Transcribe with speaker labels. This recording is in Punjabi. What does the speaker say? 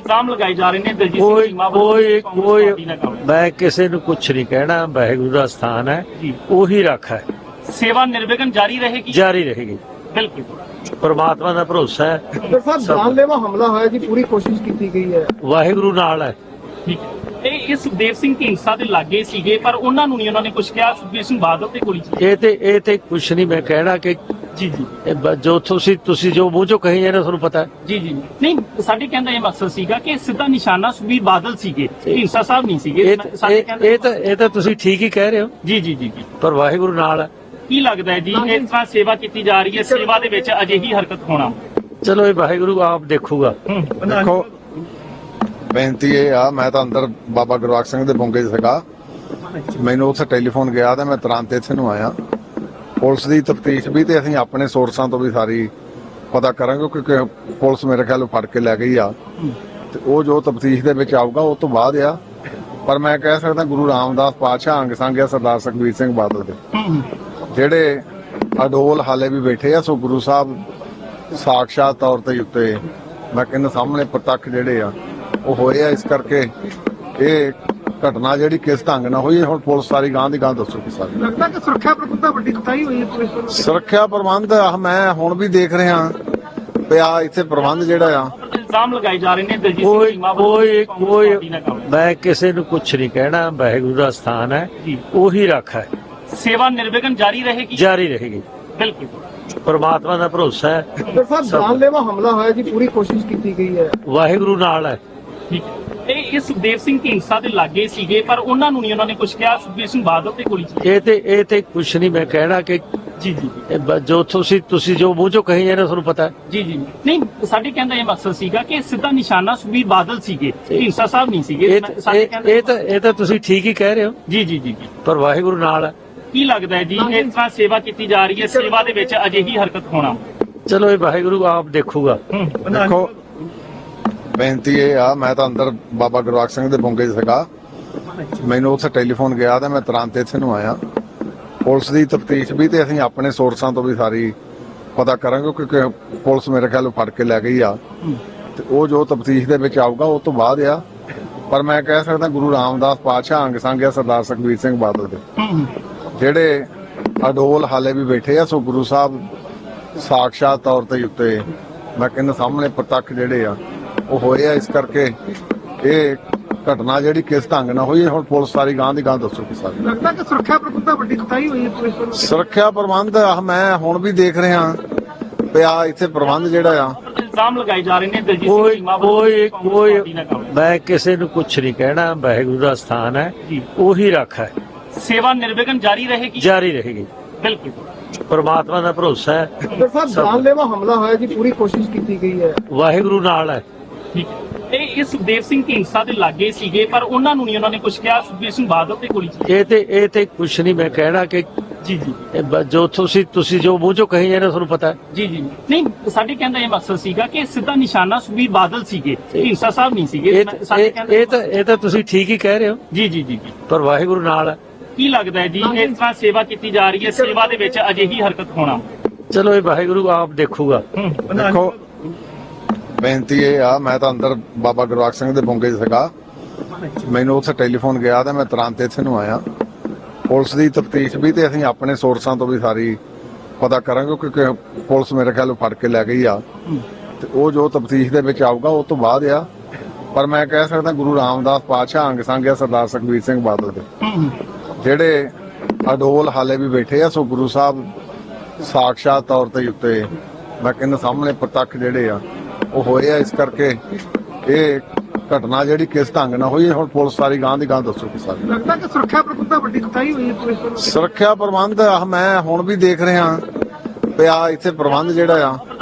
Speaker 1: ਇਲਜ਼ਾਮ ਲਗਾਏ ਜਾ ਰਹੇ ਨੇ ਦਲਜੀਤ
Speaker 2: ਕੋਈ
Speaker 1: ਸਿੰਘ ਚੀਮਾ
Speaker 2: ਕੋਈ
Speaker 1: ਵੱਲੋਂ
Speaker 2: ਕੋਈ
Speaker 1: ਪਾਰਟੀ ਨਾਲ ਕੰਮ।
Speaker 2: ਮੈਂ ਕਿਸੇ ਨੂੰ ਕੁਛ ਨਹੀਂ ਕਹਿਣਾ। ਵਾਹਿਗੁਰੂ ਦਾ ਸਥਾਨ ਹੈ,
Speaker 1: ਜੀ।
Speaker 2: ਉਹੀ ਰੱਖ ਹੈ,
Speaker 1: ਸੇਵਾ ਨਿਰਵਿਘਨ ਜਾਰੀ ਰਹੇਗੀ।
Speaker 2: ਜਾਰੀ ਰਹੇਗੀ।
Speaker 1: ਬਿਲਕੁਲ
Speaker 2: ਪਰਮਾਤਮਾ ਦਾ ਭਰੋਸਾ ਹੈ।
Speaker 3: ਡਾਕਟਰ ਸਾਹਿਬ ਜਾਨਲੇਵਾ ਹਮਲਾ ਹੋਇਆ ਜੀ, ਪੂਰੀ ਕੋਸ਼ਿਸ਼ ਕੀਤੀ ਗਈ ਹੈ।
Speaker 2: ਵਾਹਿਗੁਰੂ ਨਾਲ ਹੈ।
Speaker 1: ਠੀਕ ਹੈ। ਇਹ ਸੁਖਦੇਵ ਸਿੰਘ ਢੀਂਡਸਾ ਦੇ ਲਾਗੇ ਸੀਗੇ, ਪਰ ਉਹਨਾਂ ਨੂੰ ਨਹੀਂ ਉਹਨਾਂ ਨੇ ਕੁਝ ਕਿਹਾ। ਸੁਖਬੀਰ ਸਿੰਘ ਬਾਦਲ ਤੇ ਗੋਲੀ ਚੱਲੀ।
Speaker 2: ਇਹ ਤੇ ਕੁਛ ਨਹੀਂ ਮੈਂ ਕਹਿਣਾ ਕਿ
Speaker 1: ਜੀ ਜੀ
Speaker 2: ਜੋ ਤੁਸੀਂ ਜੋ ਮੂੰਹ ਚੋਂ ਕਹੀ ਜਾਂਦੇ ਤੁਹਾਨੂੰ ਪਤਾ ਹੈ।
Speaker 1: ਜੀ ਜੀ ਨਹੀਂ, ਸਾਡੇ ਕਹਿੰਦਾ ਇਹ ਮਕਸਦ ਸੀਗਾ ਕਿ ਸਿੱਧਾ ਨਿਸ਼ਾਨਾ ਸੁਖਬੀਰ ਬਾਦਲ ਸੀਗੇ, ਢੀਂਡਸਾ ਸਾਹਿਬ ਨਹੀਂ ਸੀਗੇ। ਸਾਡੇ ਕਹਿੰਦਾ
Speaker 2: ਇਹ ਤਾਂ ਤੁਸੀਂ ਠੀਕ ਹੀ ਕਹਿ ਰਹੇ ਹੋ।
Speaker 1: ਜੀ ਜੀ ਜੀ ਜੀ
Speaker 2: ਪਰ ਵਾਹਿਗੁਰੂ ਨਾਲ ਹੈ।
Speaker 1: ਕੀ ਲੱਗਦਾ ਹੈ ਜੀ, ਇਸ ਤਰ੍ਹਾਂ ਸੇਵਾ ਕੀਤੀ ਜਾ ਰਹੀ ਹੈ, ਸੇਵਾ ਦੇ ਵਿੱਚ ਅਜਿਹੀ ਹਰਕਤ ਹੋਣਾ?
Speaker 2: ਚਲੋ ਇਹ ਵਾਹਿਗੁਰੂ ਆਪ ਦੇਖੂਗਾ।
Speaker 4: ਦੇਖੋ ਬੇਨਤੀ ਇਹ ਆ, ਮੈਂ ਤਾਂ ਅੰਦਰ ਬਾਬਾ ਗੁਰਵਾਕ ਸਿੰਘ ਦੇ ਬੁੰਗੇ 'ਚ ਸੀਗਾ। ਮੈਨੂੰ ਉੱਥੇ ਟੈਲੀਫੋਨ ਗਿਆ ਤੇ ਮੈਂ ਤੁਰੰਤ ਇੱਥੇ ਨੂੰ ਆਇਆ। ਪੁਲਿਸ ਦੀ ਤਫਤੀਸ਼ ਵੀ ਤੇ ਅਸੀਂ ਆਪਣੇ ਸੋਰਸਾਂ ਤੋਂ ਵੀ ਸਾਰੀ ਪਤਾ ਕਰਾਂਗੇ, ਕਿਉਂਕਿ ਪੁਲਿਸ ਮੇਰੇ ਖਿਆਲ ਫੜ ਕੇ ਲੈ ਗਈ ਆ ਤੇ ਉਹ ਜੋ ਤਫਤੀਸ਼ ਦੇ ਵਿੱਚ ਆਊਗਾ ਉਹ ਤੋਂ ਬਾਅਦ ਆ। ਪਰ ਮੈਂ ਕਹਿ ਸਕਦਾ ਗੁਰੂ ਰਾਮਦਾਸ ਪਾਤਸ਼ਾਹ ਅੰਗ ਸੰਗ ਆ ਸਰਦਾਰ ਸੁਖਬੀਰ ਸਿੰਘ ਬਾਦਲ ਦੇ, ਜਿਹੜੇ ਅਡੋਲ ਹਾਲੇ ਵੀ ਬੈਠੇ ਆ। ਸੋ ਗੁਰੂ ਸਾਹਿਬ ਸਾਖਸ਼ਾਤ ਤੌਰ ਤੇ ਉੱਤੇ ਮੈਂ ਕਹਿੰਦਾ ਸਾਹਮਣੇ ਪ੍ਰਤੱਖ ਜਿਹੜੇ ਆ ਉਹ ਹੋਏ ਆ। ਇਸ ਕਰਕੇ ਇਹ ਘਟਨਾ ਜਿਹੜੀ ਕਿਸ ਢੰਗ ਨਾਲ ਹੋਈ, ਹੁਣ ਪੁਲਿਸ ਸਾਰੀ ਗਾਂ ਦੀ ਗਾਂ ਦੱਸੂਗੀ। ਸਾਰੀ
Speaker 3: ਲੱਗਦਾ ਕਿ ਸੁਰੱਖਿਆ ਪ੍ਰਬੰਧ ਦਾ ਵੱਡੀ ਕੁਤਾਹੀ ਹੋਈ ਹੈ ਪੁਲਿਸ ਵੱਲੋਂ।
Speaker 4: ਸੁਰੱਖਿਆ ਪ੍ਰਬੰਧ ਮੈਂ ਹੁਣ ਵੀ ਦੇਖ ਰਿਹਾ ਪਿਆ ਇੱਥੇ ਪ੍ਰਬੰਧ ਜਿਹੜਾ ਆ।
Speaker 1: ਇਲਜ਼ਾਮ ਲਗਾਏ ਜਾ ਰਹੇ ਨੇ ਦਲਜੀਤ ਸਿੰਘ
Speaker 2: ਕੋਈ
Speaker 1: ਚੀਮਾ ਵੱਲੋਂ
Speaker 2: ਕੋਈ
Speaker 1: ਪਾਰਟੀ ਨਾਲ ਕੰਮ।
Speaker 2: ਮੈਂ ਕਿਸੇ ਨੂੰ ਕੁਛ ਨਹੀਂ ਕਹਿਣਾ। ਵਾਹਿਗੁਰੂ ਦਾ ਸਥਾਨ ਹੈ,
Speaker 1: ਜੀ।
Speaker 2: ਉਹੀ ਰੱਖ ਹੈ,
Speaker 1: ਸੇਵਾ ਨਿਰਵਿਘਨ ਜਾਰੀ ਰਹੇਗੀ।
Speaker 2: ਜਾਰੀ ਰਹੇਗੀ।
Speaker 1: ਬਿਲਕੁਲ
Speaker 2: ਪਰਮਾਤਮਾ ਦਾ ਭਰੋਸਾ ਹੈ।
Speaker 3: ਡਾਕਟਰ ਸਾਹਿਬ ਜਾਨਲੇਵਾ ਹਮਲਾ ਹੋਇਆ ਜੀ, ਪੂਰੀ ਕੋਸ਼ਿਸ਼ ਕੀਤੀ ਗਈ ਹੈ।
Speaker 2: ਵਾਹਿਗੁਰੂ ਨਾਲ ਹੈ।
Speaker 1: ਠੀਕ ਹੈ। ਇਹ ਸੁਖਦੇਵ ਸਿੰਘ ਢੀਂਡਸਾ ਦੇ ਲਾਗੇ ਸੀਗੇ, ਪਰ ਉਹਨਾਂ ਨੂੰ ਨਹੀਂ ਉਹਨਾਂ ਨੇ ਕੁਝ ਕਿਹਾ। ਸੁਖਬੀਰ ਸਿੰਘ ਬਾਦਲ ਤੇ ਗੋਲੀ ਚੱਲੀ।
Speaker 2: ਇਹ ਤੇ ਕੁਛ ਨਹੀਂ ਮੈਂ ਕਹਿਣਾ ਕਿ
Speaker 1: ਜੀ ਜੀ
Speaker 2: ਜੋ ਤੁਸੀਂ ਜੋ ਮੂੰਹ ਚੋਂ ਕਹੀ ਜਾਂਦੇ ਤੁਹਾਨੂੰ ਪਤਾ ਹੈ।
Speaker 1: ਜੀ ਜੀ ਨਹੀਂ, ਸਾਡੇ ਕਹਿੰਦਾ ਇਹ ਮਕਸਦ ਸੀਗਾ ਕਿ ਸਿੱਧਾ ਨਿਸ਼ਾਨਾ ਸੁਖਬੀਰ ਬਾਦਲ ਸੀਗੇ, ਢੀਂਡਸਾ ਸਾਹਿਬ ਨਹੀਂ ਸੀਗੇ। ਸਾਡੇ ਕਹਿੰਦਾ
Speaker 2: ਇਹ ਤਾਂ ਤੁਸੀਂ ਠੀਕ ਹੀ ਕਹਿ ਰਹੇ ਹੋ।
Speaker 1: ਜੀ ਜੀ ਜੀ ਜੀ
Speaker 2: ਪਰ ਵਾਹਿਗੁਰੂ ਨਾਲ ਹੈ।
Speaker 1: ਕੀ ਲੱਗਦਾ ਹੈ ਜੀ, ਇਸ ਤਰ੍ਹਾਂ ਸੇਵਾ ਕੀਤੀ ਜਾ ਰਹੀ ਹੈ, ਸੇਵਾ ਦੇ ਵਿੱਚ ਅਜਿਹੀ ਹਰਕਤ ਹੋਣਾ?
Speaker 2: ਚਲੋ ਇਹ ਵਾਹਿਗੁਰੂ ਆਪ ਦੇਖੂਗਾ।
Speaker 4: ਦੇਖੋ ਬੇਨਤੀ ਇਹ ਆ, ਮੈਂ ਤਾਂ ਅੰਦਰ ਬਾਬਾ ਗੁਰਵਾਕ ਸਿੰਘ ਦੇ ਬੁੰਗੇ 'ਚ ਸੀਗਾ। ਮੈਨੂੰ ਉੱਥੇ ਟੈਲੀਫੋਨ ਗਿਆ ਤੇ ਮੈਂ ਤੁਰੰਤ ਇੱਥੇ ਨੂੰ ਆਇਆ। ਪੁਲਿਸ ਦੀ ਤਫਤੀਸ਼ ਵੀ ਤੇ ਅਸੀਂ ਆਪਣੇ ਸੋਰਸਾਂ ਤੋਂ ਵੀ ਸਾਰੀ ਪਤਾ ਕਰਾਂਗੇ, ਕਿਉਂਕਿ ਪੁਲਿਸ ਮੇਰੇ ਖਿਆਲ ਫੜ ਕੇ ਲੈ ਗਈ ਆ ਤੇ ਉਹ ਜੋ ਤਫਤੀਸ਼ ਦੇ ਵਿੱਚ ਆਊਗਾ ਉਹ ਤੋਂ ਬਾਅਦ ਆ। ਪਰ ਮੈਂ ਕਹਿ ਸਕਦਾ ਗੁਰੂ ਰਾਮਦਾਸ ਪਾਤਸ਼ਾਹ ਅੰਗ ਸੰਗ ਆ ਸਰਦਾਰ ਸੁਖਬੀਰ ਸਿੰਘ ਬਾਦਲ ਦੇ, ਜਿਹੜੇ ਅਡੋਲ ਹਾਲੇ ਵੀ ਬੈਠੇ ਆ। ਸੋ ਗੁਰੂ ਸਾਹਿਬ ਸਾਖਸ਼ਾਤ ਤੌਰ ਤੇ ਉੱਤੇ ਮੈਂ ਕਹਿੰਦਾ ਸਾਹਮਣੇ ਪ੍ਰਤੱਖ ਜਿਹੜੇ ਆ ਉਹ ਹੋਏ ਆ। ਇਸ ਕਰਕੇ ਇਹ ਘਟਨਾ ਜਿਹੜੀ ਕਿਸ ਢੰਗ ਨਾਲ ਹੋਈ, ਹੁਣ ਪੁਲਿਸ ਸਾਰੀ ਗਾਂ ਦੀ ਗਾਂ ਦੱਸੂਗੀ। ਸਾਰੀ
Speaker 3: ਲੱਗਦਾ ਕਿ ਸੁਰੱਖਿਆ ਪ੍ਰਬੰਧ ਦਾ ਵੱਡੀ ਕੁਤਾਹੀ ਹੋਈ ਹੈ ਪੁਲਿਸ ਵੱਲੋਂ।
Speaker 4: ਸੁਰੱਖਿਆ ਪ੍ਰਬੰਧ ਮੈਂ ਹੁਣ ਵੀ ਦੇਖ ਰਿਹਾ ਪਿਆ ਇੱਥੇ ਪ੍ਰਬੰਧ ਜਿਹੜਾ ਆ।
Speaker 1: ਇਲਜ਼ਾਮ ਲਗਾਏ ਜਾ ਰਹੇ ਨੇ ਦਲਜੀਤ ਸਿੰਘ ਚੀਮਾ ਵੱਲੋਂ ਪਾਰਟੀ ਨਾਲ ਕੰਮ।
Speaker 2: ਮੈਂ ਕਿਸੇ ਨੂੰ ਕੁਛ ਨਹੀਂ ਕਹਿਣਾ। ਵਾਹਿਗੁਰੂ ਦਾ ਸਥਾਨ ਹੈ,
Speaker 1: ਜੀ।
Speaker 2: ਉਹੀ ਰੱਖ ਹੈ,
Speaker 1: ਸੇਵਾ ਨਿਰਵਿਘਨ ਜਾਰੀ ਰਹੇਗੀ।
Speaker 2: ਜਾਰੀ ਰਹੇਗੀ।
Speaker 1: ਬਿਲਕੁਲ
Speaker 2: ਪਰਮਾਤਮਾ ਦਾ ਭਰੋਸਾ ਹੈ।
Speaker 3: ਡਾਕਟਰ ਸਾਹਿਬ ਜਾਨਲੇਵਾ ਹਮਲਾ ਹੋਇਆ ਜੀ, ਪੂਰੀ ਕੋਸ਼ਿਸ਼ ਕੀਤੀ ਗਈ ਹੈ।
Speaker 2: ਵਾਹਿਗੁਰੂ ਨਾਲ ਹੈ।
Speaker 1: ਠੀਕ ਹੈ। ਇਹ ਸੁਖਦੇਵ ਸਿੰਘ ਢੀਂਡਸਾ ਦੇ ਲਾਗੇ ਸੀਗੇ, ਪਰ ਉਹਨਾਂ ਨੂੰ ਨਹੀਂ ਉਹਨਾਂ ਨੇ ਕੁਝ ਕਿਹਾ। ਸੁਖਬੀਰ ਸਿੰਘ ਬਾਦਲ ਤੇ ਗੋਲੀ ਚੱਲੀ।
Speaker 2: ਇਹ ਤੇ ਕੁਛ ਨਹੀਂ ਮੈਂ ਕਹਿਣਾ ਕਿ
Speaker 1: ਜੀ ਜੀ
Speaker 2: ਜੋ ਤੁਸੀਂ ਜੋ ਮੂੰਹ ਚੋਂ ਕਹੀ ਜਾਂਦੇ ਤੁਹਾਨੂੰ ਪਤਾ ਹੈ।
Speaker 1: ਜੀ ਜੀ ਨਹੀਂ, ਸਾਡੇ ਕਹਿੰਦਾ ਇਹ ਮਕਸਦ ਸੀਗਾ ਕਿ ਸਿੱਧਾ ਨਿਸ਼ਾਨਾ ਸੁਖਬੀਰ ਬਾਦਲ ਸੀਗੇ, ਢੀਂਡਸਾ ਸਾਹਿਬ ਨਹੀਂ ਸੀਗੇ। ਸਾਡੇ ਕਹਿੰਦਾ
Speaker 2: ਇਹ ਤਾਂ ਤੁਸੀਂ ਠੀਕ ਹੀ ਕਹਿ ਰਹੇ ਹੋ।
Speaker 1: ਜੀ ਜੀ ਜੀ ਜੀ
Speaker 2: ਪਰ ਵਾਹਿਗੁਰੂ ਨਾਲ ਹੈ।
Speaker 1: ਕੀ ਲੱਗਦਾ ਹੈ ਜੀ, ਇਸ ਤਰ੍ਹਾਂ ਸੇਵਾ ਕੀਤੀ ਜਾ ਰਹੀ ਹੈ, ਸੇਵਾ ਦੇ ਵਿੱਚ ਅਜਿਹੀ ਹਰਕਤ ਹੋਣਾ?
Speaker 2: ਚਲੋ ਇਹ ਵਾਹਿਗੁਰੂ ਆਪ ਦੇਖੂਗਾ।
Speaker 4: ਦੇਖੋ ਬੇਨਤੀ ਇਹ ਆ, ਮੈਂ ਤਾਂ ਅੰਦਰ ਬਾਬਾ ਗੁਰਵਾਕ ਸਿੰਘ ਦੇ ਬੁੰਗੇ 'ਚ ਸੀਗਾ। ਮੈਨੂੰ ਉੱਥੇ ਟੈਲੀਫੋਨ ਗਿਆ ਤੇ ਮੈਂ ਤੁਰੰਤ ਇੱਥੇ ਨੂੰ ਆਇਆ। ਪੁਲਿਸ ਦੀ ਤਫਤੀਸ਼ ਵੀ ਤੇ ਅਸੀਂ ਆਪਣੇ ਸੋਰਸਾਂ ਤੋਂ ਵੀ ਸਾਰੀ ਪਤਾ ਕਰਾਂਗੇ, ਕਿਉਂਕਿ ਪੁਲਿਸ ਮੇਰੇ ਖਿਆਲ ਫੜ ਕੇ ਲੈ ਗਈ ਆ ਤੇ ਉਹ ਜੋ ਤਫਤੀਸ਼ ਦੇ ਵਿੱਚ ਆਊਗਾ ਉਹ ਤੋਂ ਬਾਅਦ ਆ। ਪਰ ਮੈਂ ਕਹਿ ਸਕਦਾ ਗੁਰੂ ਰਾਮਦਾਸ ਪਾਤਸ਼ਾਹ ਅੰਗ ਸੰਗ ਆ ਸਰਦਾਰ ਸੁਖਬੀਰ ਸਿੰਘ ਬਾਦਲ ਦੇ, ਜਿਹੜੇ ਅਡੋਲ ਹਾਲੇ ਵੀ ਬੈਠੇ ਆ। ਸੋ ਗੁਰੂ ਸਾਹਿਬ ਸਾਖਸ਼ਾਤ ਤੌਰ ਤੇ ਉੱਤੇ ਮੈਂ ਕਹਿੰਦਾ ਸਾਹਮਣੇ ਪ੍ਰਤੱਖ ਜਿਹੜੇ ਆ ਉਹ ਹੋਏ ਆ। ਇਸ ਕਰਕੇ ਇਹ ਘਟਨਾ ਜਿਹੜੀ ਕਿਸ ਢੰਗ ਨਾਲ ਹੋਈ, ਹੁਣ ਪੁਲਿਸ ਸਾਰੀ ਗਾਂ ਦੀ ਗਾਂ ਦੱਸੂਗੀ। ਸਾਰੀ
Speaker 3: ਲੱਗਦਾ ਕਿ ਸੁਰੱਖਿਆ ਪ੍ਰਬੰਧ ਦਾ ਵੱਡੀ ਕੁਤਾਹੀ ਹੋਈ ਹੈ ਪੁਲਿਸ ਵੱਲੋਂ।
Speaker 4: ਸੁਰੱਖਿਆ ਪ੍ਰਬੰਧ ਮੈਂ ਹੁਣ ਵੀ ਦੇਖ ਰਿਹਾ ਪਿਆ ਇੱਥੇ ਪ੍ਰਬੰਧ ਜਿਹੜਾ ਆ।